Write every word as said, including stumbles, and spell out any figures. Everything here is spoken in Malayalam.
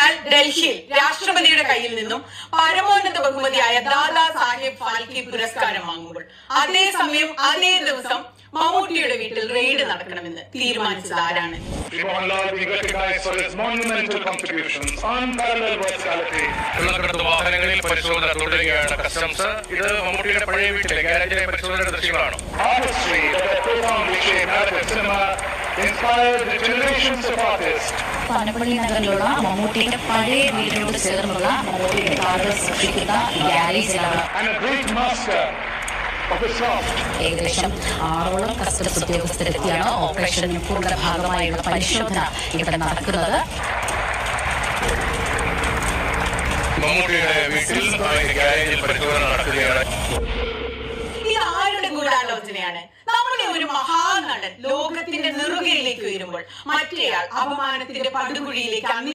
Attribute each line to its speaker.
Speaker 1: ഇയാൾ ഡൽഹിയിൽ രാഷ്ട്രപതിയുടെ കയ്യിൽ നിന്നും പരമോന്നത ബഹുമതിയായ ദാദാ സാഹേബ് ഫാൽക്കെ പുരസ്കാരം വാങ്ങുമ്പോൾ അതേസമയം അതേ ദിവസം മമ്മൂട്ടിയുടെ വീട്ടിൽ റെയ്ഡ് നടക്കണമെന്ന് തീരുമാനിച്ചത് ആരാണ്?
Speaker 2: വാഹനങ്ങളിൽ പരിശോധന തുടരുകയാണ് കസ്റ്റംസ്. ഇത് മമ്മൂട്ടിയുടെ പഴയ വീട്ടിലെ ഗാരേജിലെ പരിശോധനയുടെ ദൃശ്യങ്ങളാണ്.
Speaker 3: പനപ്പള്ളി നഗറിലുള്ള മമ്മൂട്ടിയുടെ പഴയ വീടിനോട് ചേർന്നുള്ള മമ്മൂട്ടിയുടെ കാറുകൾ സൃഷ്ടിക്കുന്ന ഗ്യാരേജിലാണ് ഏകദേശം ആറോളം കസ്റ്റംസ് ഉദ്യോഗസ്ഥരെത്തിയാണ് ഓപ്പറേഷൻ മുക്കൂറിന്റെ ഭാഗമായുള്ള പരിശോധന ഇവിടെ നടക്കുന്നത്.
Speaker 2: മമ്മൂട്ടിയുടെ വീട്ടിൽ ഗ്യാരേജിൽ പരിശോധന നടക്കുകയാണ്.
Speaker 1: ഇത് ആരുടെ ഗൂഢാലോചനയാണ്? നമ്മുടെ ഒരു മഹാനടൻ ലോകത്തിന്റെ നെറുകയിലേക്ക് വരുമ്പോൾ മറ്റേയാൾ അപമാനത്തിന്റെ പടുകുഴിയിലേക്ക്